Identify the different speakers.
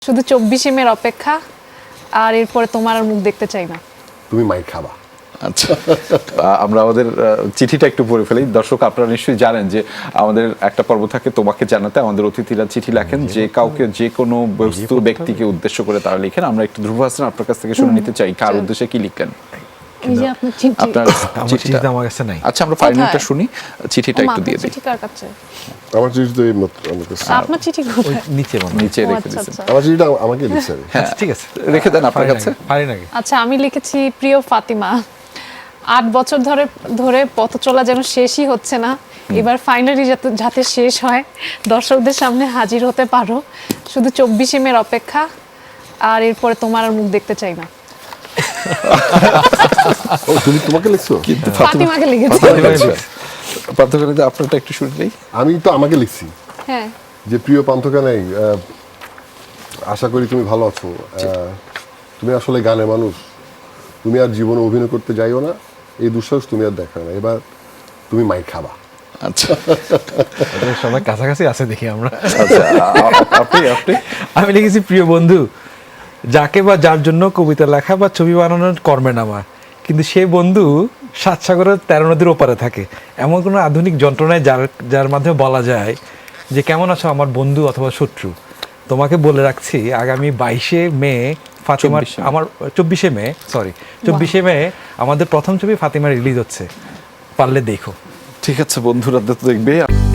Speaker 1: শুধু 24 মের অপেক্ষা, আর এরপরে তোমার আর মুখ দেখতে চাই না।
Speaker 2: তুমি মাইর খাবা।
Speaker 3: আচ্ছা, আমরা আমাদের চিঠিটা একটু পড়ে ফেলি। দর্শক, আপনারা নিশ্চয়ই জানেন যে আমাদের একটা পর্ব থাকে তোমাকে জানাতে। আমাদের অতিথিরা চিঠি লেখেন, যে কাউকে যে কোনো বস্তু ব্যক্তিকে উদ্দেশ্য করে তারা লিখেন। আমরা একটু ধ্রুব হাসান আপনার কাছ থেকে শুনে নিতে চাই, কার উদ্দেশ্যে কি লিখলেন?
Speaker 1: এই যে আপনার চিঠি।
Speaker 3: আপনার চিঠিটা
Speaker 4: আমার কাছে নাই।
Speaker 3: আচ্ছা, আমরা ফাইনালটা শুনি, চিঠিটা একটু দিয়ে দিই।
Speaker 1: চিঠি কার কাছে?
Speaker 2: আমার চিঠি তো এই মাত্র আমার কাছে।
Speaker 1: আপনার চিঠি কোথায়?
Speaker 4: নিচে মনে
Speaker 3: নিচে
Speaker 1: ও,
Speaker 3: রেখে
Speaker 1: আচ্ছা,
Speaker 3: দিয়েছেন।
Speaker 1: আচ্ছা।
Speaker 2: আমার চিঠিটা আমাকে লিখছে।
Speaker 3: হ্যাঁ,
Speaker 4: ঠিক আছে,
Speaker 3: রেখে দেন আপনার কাছে।
Speaker 4: পারি নাকি?
Speaker 1: আচ্ছা, আমি লিখেছি, প্রিয় ফাতিমা, 8 বছর ধরে পথ চলা যেন শেষই হচ্ছে না। এবার ফাইনালি যাতে শেষ হয়, দর্শকদের সামনে হাজির হতে পারো। শুধু 24 মের অপেক্ষা, আর এরপরে তোমার আর মুখ দেখতে চাই না।
Speaker 2: ও, তুমি তোমাকে লিখছো?
Speaker 3: কিন্তু
Speaker 1: ফাতিমাকে লিখেছি।
Speaker 3: পার্থক্য আপনারটা একটু শুনলেই।
Speaker 2: আমি তো আমাকে লিখছি
Speaker 1: হ্যাঁ,
Speaker 2: যে প্রিয় পান্থকানাই, আশা করি তুমি ভালো আছো। তুমি আসলে গানের মানুষ, তুমি আর জীবনে অভিনয় করতে যাইও না, এই দুঃসাহস তুমি আর দেখাও না। এবার তুমি মাইর খাবা।
Speaker 3: আচ্ছা
Speaker 4: সবাই কাছাকাছি আছে দেখি আমরা।
Speaker 3: আচ্ছা, আপনি
Speaker 4: আমি লিখেছি, প্রিয় বন্ধু, যাকে বা যার জন্য কবিতা লেখা বা ছবি বানানোর কর্মে নামা, কিন্তু সে বন্ধু 7 সাগরের 13 নদীর ওপারে থাকে। এমন কোনো আধুনিক যন্ত্রণায় যার মাধ্যমে বলা যায় যে কেমন আছো আমার বন্ধু অথবা শত্রু। তোমাকে বলে রাখছি, আগামী 22শে মে ফাতিমার
Speaker 3: 24শে
Speaker 4: আমার 24শে মে সরি 24শে মে আমাদের প্রথম ছবি ফাতিমা রিলিজ হচ্ছে, পারলে দেখো।
Speaker 3: ঠিক আছে বন্ধুরা, তো দেখবে।